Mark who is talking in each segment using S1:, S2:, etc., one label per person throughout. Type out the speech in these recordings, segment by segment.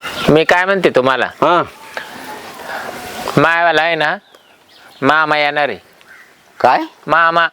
S1: मी काय म्हणते तुम्हाला,
S2: हा
S1: मायावाला आहे ना, मामा येणार आहे.
S2: काय
S1: मामा,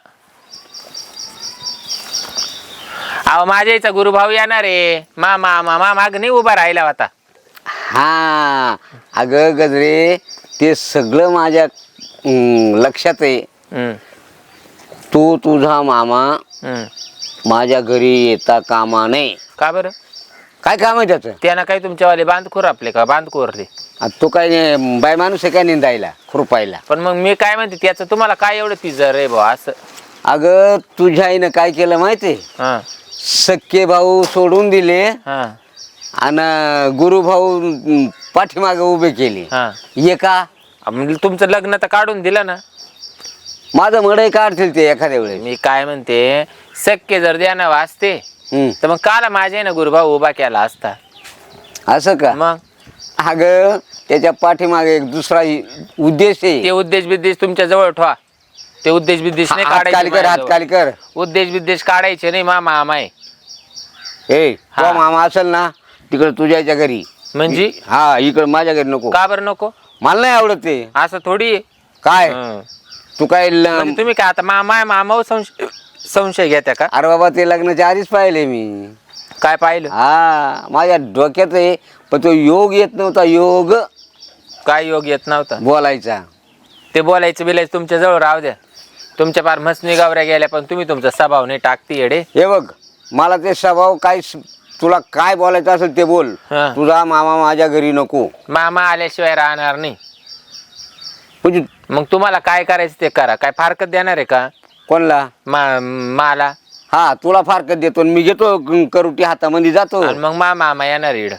S1: अहो माझ्या इथं गुरुभाऊ येणार आहे. मामा मामा माग नाही उभा राहिला होता.
S2: हा अगं गजरे ते सगळं माझ्या लक्षात आहे.
S1: हम्म,
S2: तू तुझा मामा
S1: हम्म.
S2: माझ्या घरी येता कामा नये.
S1: का बरं?
S2: काय काम आहे त्याचं?
S1: त्यानं काही तुमच्यावाले बांधखोर आपले का बांधखोरले?
S2: आता तो काय बाय माणूस आहे काय निंदायला खुरपायला?
S1: पण मग मी काय म्हणते, त्याचं तुम्हाला काय एवढं पिझर रे भाऊ असं?
S2: अगं तुझ्या आईनं काय केलं माहितीये?
S1: हा
S2: सख्खे भाऊ सोडून दिले
S1: हा
S2: आणि गुरुभाऊ पाठीमागे उभे केले.
S1: हा.
S2: ये का
S1: म्हणजे तुमचं लग्न तर काढून दिलं ना.
S2: माझं मडई काढतील ते एखाद्या वेळेस.
S1: मी काय म्हणते, शक्य जर द्यानं वाचते
S2: हम्म.
S1: तर मग काला माझ्या ना गुरुभाऊ उभा केला असता.
S2: असं का?
S1: मग
S2: अगं त्याच्या पाठीमागे एक दुसरा उद्देश
S1: ते
S2: आहे.
S1: उद्देश बिद्देश तुमच्या जवळ ठेवा. ते उद्देश बिद्देश नाही
S2: हात खाली
S1: काढायचे
S2: कर, हात
S1: माझ्याजवळ.
S2: खाली कर.
S1: उद्देश बिद्देश काढायचे नाही. मामा आहे
S2: ए
S1: हा.
S2: तो मामा असेल ना तिकडे तुझ्याच्या घरी.
S1: म्हणजे
S2: हा इकडे माझ्या घरी नको.
S1: का बरं नको?
S2: मला नाही आवडत ते.
S1: असं थोडी आहे.
S2: काय
S1: हं.
S2: तू काय
S1: म्हणजे तुम्ही काय आता मामा संशय घेत्या का?
S2: अरे बाबा ते लग्नाच्या आधीच पाहिले मी.
S1: काय पाहिलं?
S2: हा माझ्या डोक्यात आहे पण तो योग येत नव्हता. योग
S1: काय योग येत नव्हता?
S2: बोलायचा.
S1: ते बोलायचं बिलायचं तुमच्या जवळ राहू द्या. तुमच्या पार मसनी गावऱ्या गेल्या, पण तुम्ही तुमचा स्वभाव नाही टाकती येडे.
S2: हे बघ मला ते स्वभाव काय तुला काय बोलायचं असेल ते बोल.
S1: हा.
S2: तुझा मामा माझ्या घरी नको.
S1: मामा आल्याशिवाय राहणार नाही.
S2: म्हणजे
S1: मग तुम्हाला काय करायचं ते करा. काय फारकत देणार आहे का
S2: कोणला?
S1: मला?
S2: हा तुला फारकत देतो आणि मी घेतो करुटी हातामध्ये जातो.
S1: आणि मग मामा येणार इड.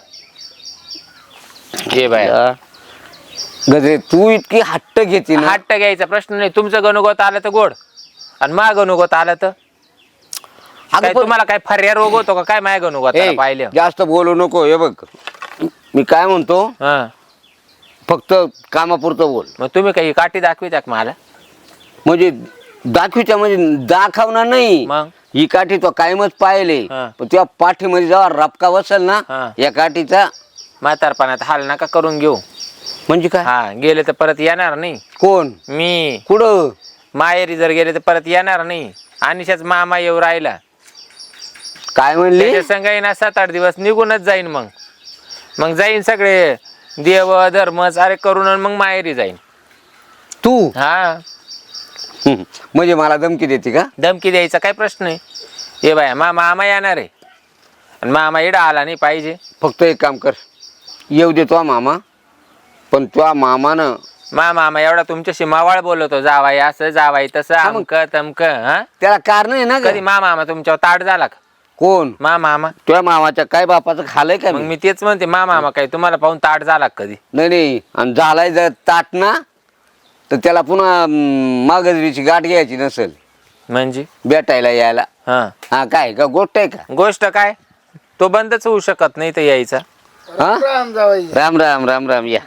S1: ये बाय,
S2: गजरे तू इतकी हट्ट घेते ना.
S1: हट्ट घ्यायचा प्रश्न नाही. तुमचं गणुगोत आलं तर गोड, आणि मा गणुगोत आलं तर काय?
S2: पण-
S1: तुम्हाला काय फर्या रोग होतो का काय माय गणुगोत
S2: ए,
S1: पाहिलं?
S2: जास्त बोलू नको. हे बघ मी काय म्हणतो
S1: हा.
S2: फक्त कामापुरतं बोल.
S1: मग तुम्ही काही काठी दाखविता का मला?
S2: म्हणजे दाखवीच्या म्हणजे दाखवणार नाही.
S1: मग
S2: ही काठी तो कायमच पाहिले.
S1: हा.
S2: पण तुझ्या पाठीमध्ये जेव्हा रपका बसेल ना
S1: हा.
S2: या काठीचा.
S1: म्हातारपणात हाल नका करून घेऊ.
S2: म्हणजे काय?
S1: हा, गेले तर परत येणार नाही.
S2: कोण?
S1: मी
S2: कुठं?
S1: माहेरी जर गेले तर परत येणार नाही. अनिशाच मामा येऊ राहिला.
S2: काय म्हणले?
S1: त्याच्या संग येईन 7-8 दिवस निघूनच जाईन. मग जाईन सगळे देव धर्म सारे करून आणि मग माहेरी जाईन.
S2: तू
S1: हा,
S2: म्हणजे मला धमकी देते का?
S1: धमकी द्यायचा काय प्रश्न आहे? हे बाया मामा येणार आहे आणि मामा इडा आला नाही पाहिजे.
S2: फक्त एक काम कर, येऊ देतो मामा, पण तुझ्या मामानं
S1: मामा एवढा तुमच्याशी मावाळ बोलवतो, जावाई असं जावाई तसं
S2: मग-
S1: अमक तमक. हा,
S2: त्याला कारण आहे ना ग.
S1: कधी मामा तुमच्यावर ताट झाला का?
S2: कोण?
S1: मामा
S2: तुझ्या मामाच्या काय बापाचं खालंय का
S1: मग
S2: मी?
S1: मी तेच म्हणते, मामा काय तुम्हाला पाहून ताट झाला का कधी?
S2: नाही नाही. आणि झालाय जर ताट ना तर त्याला पुन्हा मागजरीची गाठ घ्यायची नसेल
S1: म्हणजे
S2: भेटायला यायला.
S1: हा,
S2: हा काय का गोष्ट आहे का?
S1: गोष्ट काय? तो बंदच होऊ शकत नाही तर यायचा.
S2: हा? राम राम राम राम. या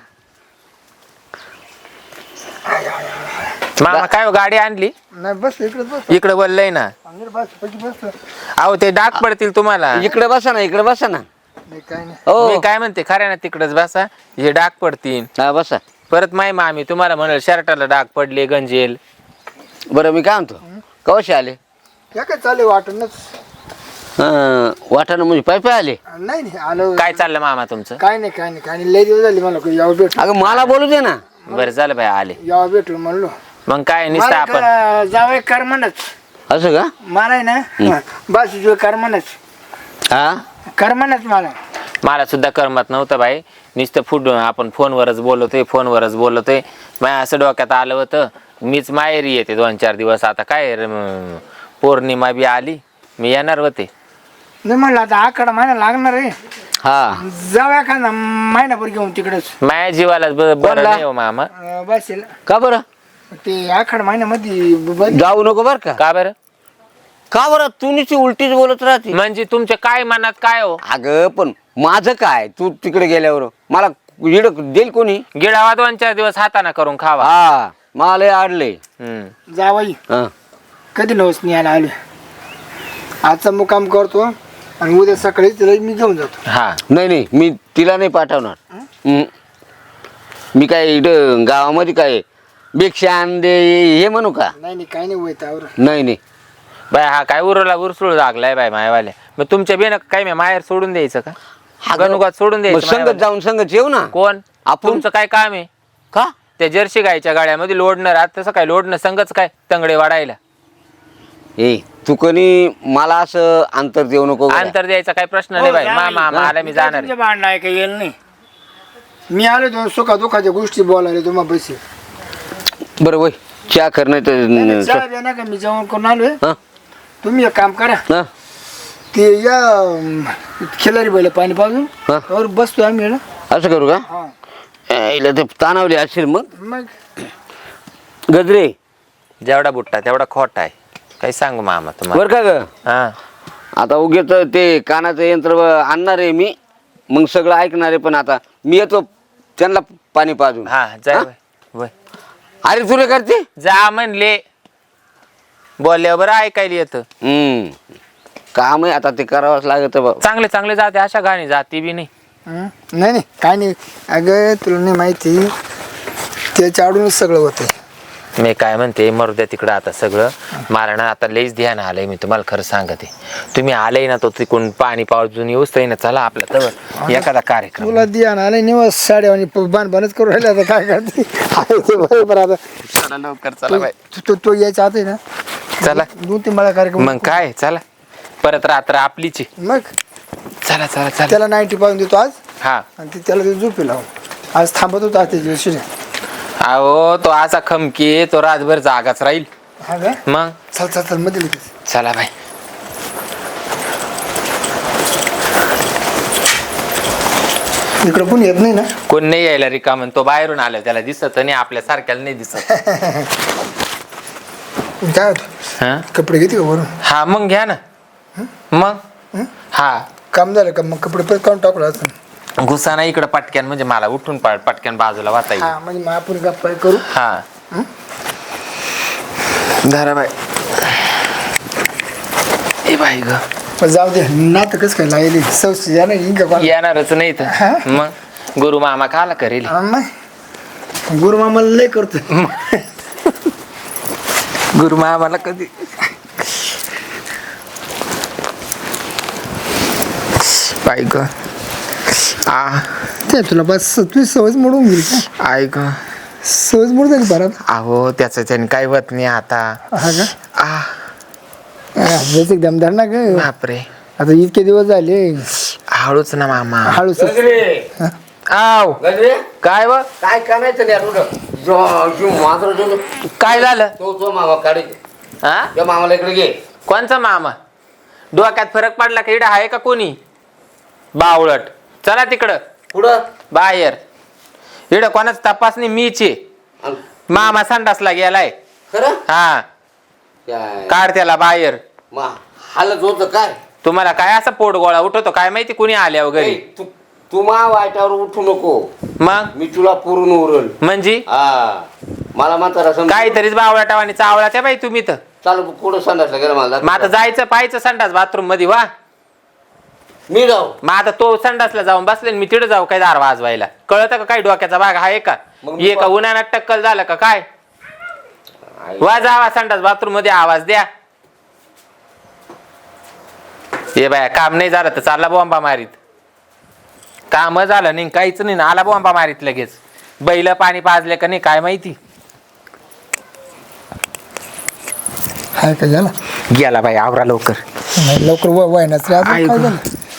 S1: मामा काय हो, गाडी आणली
S3: नाही बस इकडे बस
S1: इकडे बोललंय ना.
S3: अंदर बस पैकी बस
S1: अहो ते डाग पडतील तुम्हाला.
S2: इकडे बसा ना, इकडे बसा ना.
S3: नाही काय नाही
S2: हो
S1: मी काय म्हणते, खऱ्या ना तिकडच बसा, हे डाग पडतील.
S2: हा बसा.
S1: परत माय मामी तुम्हाला म्हणाल शर्टाला डाग पडले गंजेल.
S2: बरं मी काय म्हणतो, कवशे आले?
S3: त्या काय चालू वाटणच
S2: वाटाणं म्हणजे पाय पाय आले?
S3: नाही नाही आलो
S1: काय चाललं मामा तुमचं?
S3: काय नाही लय दिवस झाले मला यावं भेटलो
S2: अगं मला बोलू दे ना.
S1: बरं झालं बाई आले.
S3: यावं भेटलो म्हणलो
S1: मग काय नुसतं आपण
S3: मला जावं कर म्हणच
S2: असं का?
S3: मला आहे ना बस जो कर म्हणच
S2: हा
S3: कर म्हणच
S1: मला सुद्धा करमत नव्हतं बाई. नुसतं आपण फोनवरच बोलतोय. माझ्या असं डोक्यात आलं होतं मीच माहेरी येते 2-4 दिवस. आता काय पौर्णिमा बी आली, मी येणार होते.
S3: नाही म्हणलं आता आकडा महिना लागणार आहे.
S2: हा
S3: जाऊया का ना महिनाभर घेऊन तिकडेच
S1: माझ्या जीवाला बरं नाही हो मामा.
S3: बस
S2: का बरं?
S3: ते आखाड महिन्यामध्ये
S2: जाऊ नको बर का?
S1: का बरं?
S2: का बरं? तू नुसती उलटीच बोलत राहते.
S1: म्हणजे तुमच्या काय मनात काय हो?
S2: अगं पण माझं काय? तू तिकडे गेल्यावर मला इड देईल कोणी?
S1: गिळावा 2-4 दिवस हाताना करून खावा.
S2: हा मला लय आडले.
S3: जावाई
S2: हा
S3: कधी नवस नाही आला आले. आजचा मुक्काम करतो आणि उद्या सकाळी तिला मी घेऊन जातो.
S1: हा
S2: नाही मी तिला नाही पाठवणार. मी काय इथं गावामध्ये काय भिक्षा दे हे म्हणू का?
S3: नाही काही नाही होत आवर.
S2: नाही
S1: बाय हा काय उरसूळ लागलाय बाय मायवाले. मग तुमच्या बेन काय मी माहेर सोडून द्यायचं का? गणुगात सोडून
S2: मग
S1: द्यायचं
S2: संगत
S1: मायवाले?
S2: जाऊन संगत येऊ ना.
S1: कोण
S2: आपण.
S1: तुमचं काय काम आहे?
S2: का
S1: त्या जर्सी गायच्या गाड्यामध्ये लोडणं राहत तसं काय लोडणं संगच काय तंगडे वाढायला?
S2: ए तू कोणी मला असं अंतर देऊ नको गड्या.
S1: अंतर द्यायचा काय प्रश्न नाही बाई. मामा मला मी जाणार आहे.
S3: भांडणं आहे काही येईल नाही. मी आलो दोन सुखा दुखाच्या गोष्टी बोलायला तुम्हाला पैसे.
S2: बरं वय चहा कर नाही तर
S3: चहा द्या ना का मी जेवण करून आलोय.
S2: हा?
S3: तुम्ही एक काम करा
S2: हा?
S3: ते या खिलारी बैल पाणी पाजून
S2: हा?
S3: त्यावर बसतो आम्ही ना.
S2: असं करू का?
S3: हा
S2: हिला ते तानावली असेल मग.
S3: मग
S2: गजरे
S1: जेवढा बुट्टा तेवढा खोटा आहे. काही सांगू मामा तुम्हाला?
S2: बर का ग?
S1: हा
S2: आता उगेच ते कानाचं यंत्र आणणार आहे मी, मग सगळं ऐकणार आहे. पण आता मी येतो त्यांना पाणी पाजून.
S1: हा जाय
S2: हा?
S1: बाई. वय.
S2: अरे तुला करते.
S1: जा म्हणले बोलल्यावर बरं ऐकायला येतं.
S2: काम आहे आता ते करावंच लागत बाबा.
S1: चांगले चांगले जाते अशा गाणी जाती बी नाही.
S3: नाही नाही काय नाही. अगं तुला नाही माहिती त्याच्या आडूनच सगळं होतं.
S1: मी काय म्हणते मरू द्या तिकडं आता सगळं. मला ना आता लईच ध्यान आलंय. मी तुम्हाला खरं सांगते. तुम्ही आले ना तो तिकडून पाणी पावजून येऊच ना. चला आपल्या तर एखादा कार्यक्रम.
S3: तुला दिया आले निवास साड्या आणि बांधच करून राहिले. आता काय करते आहे ते बरोबर. आता
S1: चला लवकर चला बाई.
S3: तो यायचा आता आहे ना.
S1: चला
S3: 2-3 मला कार्यक्रम.
S1: मग काय चला परत रात्र आपलीची.
S3: मग
S1: चला चला चला.
S3: त्याला 90 पाहून देतो आज.
S1: हा
S3: आणि ते त्याला ते झोपी लावून आज थांबत होता त्याच्या दिवशी.
S1: अहो तो असा खमकी तो रातभर जागाच राहील.
S3: हा का?
S1: मग
S3: चल चल चल मध्ये लगेच.
S1: चला बाई.
S3: इकडं पण येत नाही ना.
S1: कोण नाही यायला रिकामं. तो बाहेरून आला त्याला दिसत नाही आपल्या सारख्याला नाही दिसत.
S3: काय होतं
S1: हा
S3: कपडे घेते का वरून.
S1: हा मग घ्या ना. मग हा
S3: काम झालं का मग कपडे परत काढून टाकलं असं.
S1: घुसा ना इकडं पटक्यान म्हणजे मला उठून पटक्यान बाजूला वाचा येईल.
S3: हा म्हणजे मग आपण गप्पा करू.
S1: हा धाराबाई. ए बाई ग
S3: पण जाऊ दे नातं कसं काय लागेल सौशी या नाही का.
S1: येणारच नाही तर मग गुरु मामा खाला करेल.
S3: गुरु मामाला लय करतो.
S1: गुरु मामाला कधी बाई ग
S3: ते तुला बस तुझी सवयच मोडून गेली का.
S1: ऐक
S3: सवयच मोड झाली परत.
S1: अहो त्याचं त्याने काही होत नाही आता.
S3: हा का
S1: आ
S3: जस एकदम धर ना ग.
S1: बापरे
S3: आता इतके दिवस झाले.
S1: हळूच ना मामा.
S3: हळूच.
S1: आव काय व
S2: काय करायचं
S1: काय झालं?
S2: तो मामा काढे.
S1: हा
S2: त्या मामाला इकडे घे.
S1: कोणचा मामा? डोक्यात फरक पडला का? इडं आहे का कोणी बावळट? चला तिकडं
S2: पुढं
S1: बाहेर. इडं कोणाच तपासणी मीचे. मामा संडासला गेलाय.
S2: खरं
S1: हा काढ त्याला बाहेर.
S2: हालत होत काय.
S1: तुम्हाला काय असं पोट गोळा उठवतो काय माहिती कुणी आल्या वगैरे.
S2: तू मा वाईटावर उठू नको.
S1: मग
S2: मी तुला पुरून उरल.
S1: म्हणजे
S2: हा मला म्हातारा
S1: काहीतरीच बावळाटाव आणि चावळाच्या बाई तुम्ही तर.
S2: चालू पुढं संडासला गेला मला.
S1: मग आता जायचं पाहायचं संडास बाथरूम मध्ये वा.
S2: मी जाऊ.
S1: मग आता तो संडासला जाऊन बसले मी तिथं जाऊ काय दार वाजवायला? कळत का काय डोक्याचा भाग आहे का? ये का उन्हाळ्यात टक्कल झालं का काय? वा जावा संडास बाथरूम मध्ये आवाज द्या. हे बाया काम नाही झालं तर चालला बॉम्बा मारीत. काम झालं नाही काहीच नाही ना आला बॉम्बा मारीत लगेच. बैल पाणी पाजले का नाही काय माहिती.
S3: हाय का झाला
S1: गेला बाई आवरा लवकर.
S3: नाही लवकर वयनाच रे. अजून काय झालं.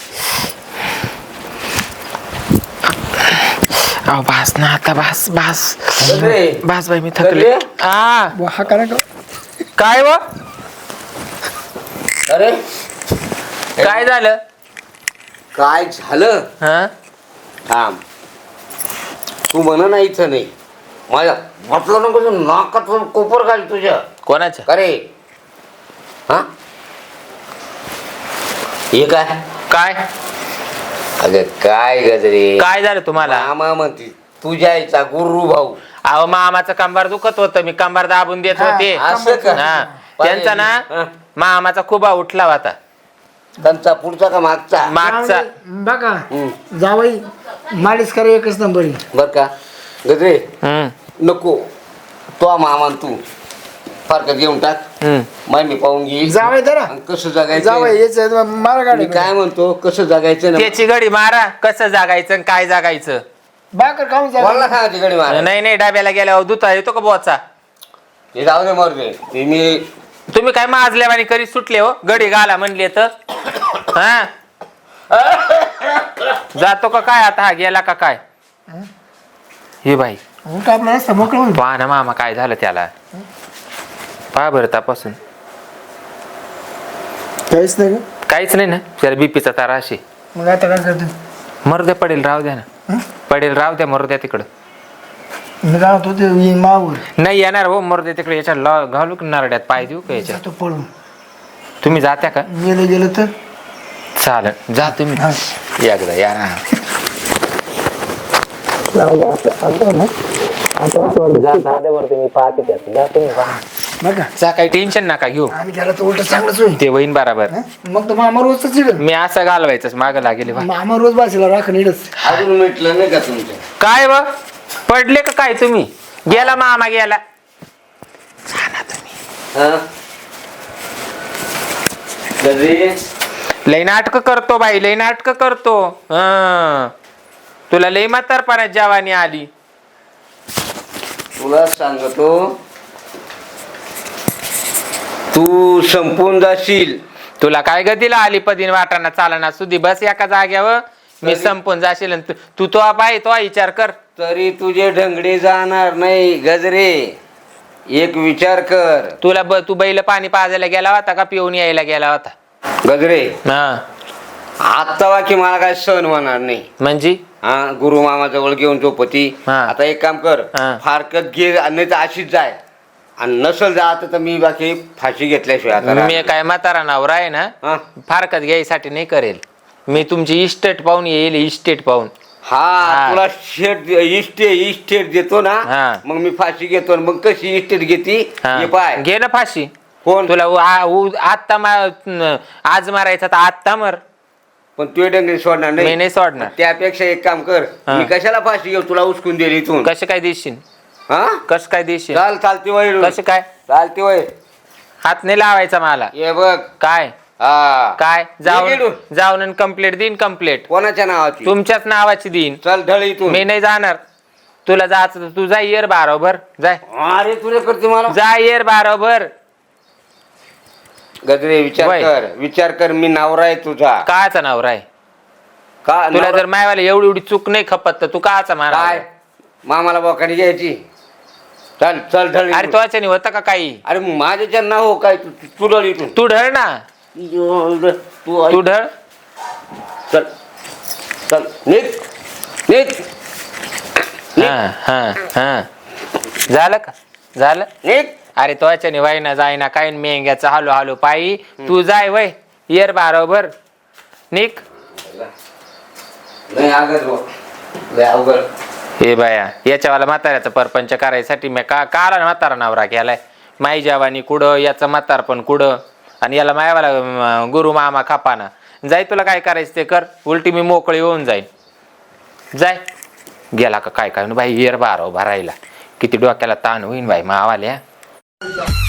S1: अहो बास ना आता बास बास
S2: गजरे.
S1: बास बाई मी थकले.
S2: गजरे.
S3: हा करा का.
S1: काय व
S2: अरे
S1: काय झालं?
S2: काय झालं.
S1: हा
S2: थांब तू म्हण ना इथं नाही. माझ्या म्हटलं नको नाकात कोपर घाल तुझ्या.
S1: कोणाच्या?
S2: अरे हा हे काय
S1: काय
S2: अगं काय गजरे.
S1: काय झालं तुम्हाला?
S2: मामा म्हणते तुझ्या आईचा गुरु भाऊ.
S1: अहो मामाचं कंबार दुखत होतं मी कंबार दाबून देत होते.
S2: असं का?
S1: हा त्यांचा ना
S2: हा.
S1: मामाचा खुबा उठला होता.
S2: त्यांचा पुढचा का मागचा
S1: मागचा
S3: बघा जावई मालिश करा एकच नंबर आहे.
S2: बर का गजरे
S1: हम्म,
S2: नको तो मामा तू फारकत घेऊन टाक
S1: हम्म.
S2: मी पाहून घेईल
S3: जावई धरा
S2: आणि कसं जगायचं
S3: जावई याच मारा
S2: मी
S3: गाडी
S2: काय म्हणतो कसं जगायचं ना
S1: त्याची गडी मारा कसं जागायचं आणि काय जागायचं.
S3: बाकर खाऊन
S2: कोणाला
S3: जा
S2: सांगायची गडी मारा
S1: नाही नाही डाब्याला गेल्यावर दुता येतो का बोचा.
S2: ते जाऊ दे मरते ते मी
S1: तुम्ही काय माजल्यावानी करी सुटले हो गडी घाला म्हणले तर हा जातो का काय आता हा गेला का काय. हे बाई
S3: उलट आपला रस्ता मोकळा होईल.
S1: पहा ना मामा काय झालं त्याला. पहा बरं तपासून
S3: काहीच नाही का?
S1: काहीच नाही ना त्याला बीपीचा तारा अशी.
S3: मग आता काय करतो
S1: मरू द्या पडेल राहू द्या ना पडेल राहू द्या मरू द्या तिकडं.
S3: मी काय होतो ते मावर
S1: नाही येणार हो मरू द्या तिकडे याच्या घालू की नारड्यात पाय देऊ का याच्या.
S3: जातो पळून
S1: तुम्ही जात्या का
S3: गेलं गेलं तर
S1: चालेल जा तुम्ही एकदा या ना.
S3: बघा
S1: जा काही टेन्शन नका घेऊ
S3: आम्ही त्याला तर उलट चांगलंच होईल.
S1: ते होईन बराबर.
S3: मग तर मामा रोजच चिड
S1: मी असं घालवायचं माग लागेल बा.
S3: मामा रोज बाशीला राखण इडच
S2: अजून मिटलं नाही का तुमचं
S1: काय व पडले का काय तुम्ही गेला मामा गेला.
S2: हा गजरे
S1: लई नाटक करतो बाई लई नाटक करतो. तुला लई म्हातारपणात जवानी आली.
S2: तुला सांगतो तू संपून जाशील.
S1: तुला काय गतीला आली पदीन वाटाणा चालना सुधी बस एका जाग्यावर मी संपून जाशील आणि तू तो बाई तो विचार कर.
S2: तरी तुझे ढंगडे जाणार नाही गजरे. एक विचार कर
S1: तू बैल पाणी पाजायला गेला होता का पिऊन यायला गेला होता.
S2: गजरे
S1: हा
S2: आता वाकी मला काय सहन होणार नाही.
S1: म्हणजे
S2: हा गुरु मामा जवळ घेऊन झोपती.
S1: हा.
S2: आता एक काम कर
S1: हा.
S2: फारकत घे नाही तर अशीच जाय आणि नसल जात तर मी बाकी फाशी घेतल्याशिवाय आता
S1: मी काय म्हातारा नवरा आहे ना
S2: हा?
S1: फारकत घ्यायसाठी नाही करेल. मी तुमची इस्टेट पाहून येईल इस्टेट पाहून.
S2: हा तुला शेट इस्टेट देतो ना
S1: हा.
S2: मग मी फाशी घेतो आणि मग कशी इस्टेट घेती हे पाय
S1: घे ना फाशी.
S2: कोण
S1: तुला आत्ता आज मारायचा तर आत्ता मर.
S2: पण तू डंगरी सोडणार
S1: मी
S2: नाही
S1: नाही सोडणार.
S2: त्यापेक्षा एक काम कर
S1: हा.
S2: मी कशाला फाशी घेऊ तुला उचकून दिली इथून.
S1: कसं काय देशील
S2: हा
S1: कसं काय देशील
S2: चालती वय
S1: कसं काय
S2: चालती वय
S1: हात नाही लावायचा मला.
S2: ये बघ
S1: काय
S2: हा
S1: काय
S2: ये गेलो.
S1: जाऊन कंप्लेंट देईन कंप्लेंट
S2: कोणाच्या नावाची
S1: तुमच्याच नावाची देईन.
S2: चल ढळ इथून.
S1: मी नाही जाणार. तुला जायचं तर तू जा येर बारोबर जाय
S2: अरे तुला करते मला
S1: जा येर बारोबर.
S2: गजरे विचार कर मी नवरा आहे तुझा
S1: काचा नवरा आहे
S2: का
S1: तुला
S2: नवरा-
S1: जर मायवाला एवढी चूक नाही खपत तर तू काचा मारा.
S2: काय मामाला बोकाडी घ्यायची. चल चल ढळ
S1: अरे
S2: इथून.
S1: तो नाही होता का काही.
S2: अरे माझ्याच्या ना हो काय तू ढळ इथून
S1: तू ढळ ना
S2: तू
S1: तू ढळ.
S2: चल चल निघ निघ
S1: हा हा हा झालं का झालं.
S2: निघ
S1: अरे तो वाईना जायना काय मेंग्याचा हालो हालो पायी तू जाय वय येर बारोबर निक.
S2: नाही अगद लय अवघड.
S1: हे बाया याच्यावाला म्हाताऱ्याचा परपंच करायसाठी मी काला म्हातारा नवरा केलाय. माई जवानी कुडं याचं म्हातारपण कुडं आणि याला मायावाला गुरु मामा खापाना. जाय तुला काय करायचं ते कर उलटी मी मोकळी होऊन जाईन. जाय गेला का काय काय बाई येर बारो भरायला किती डोक्याला ताण होईन बाई मावाल्या.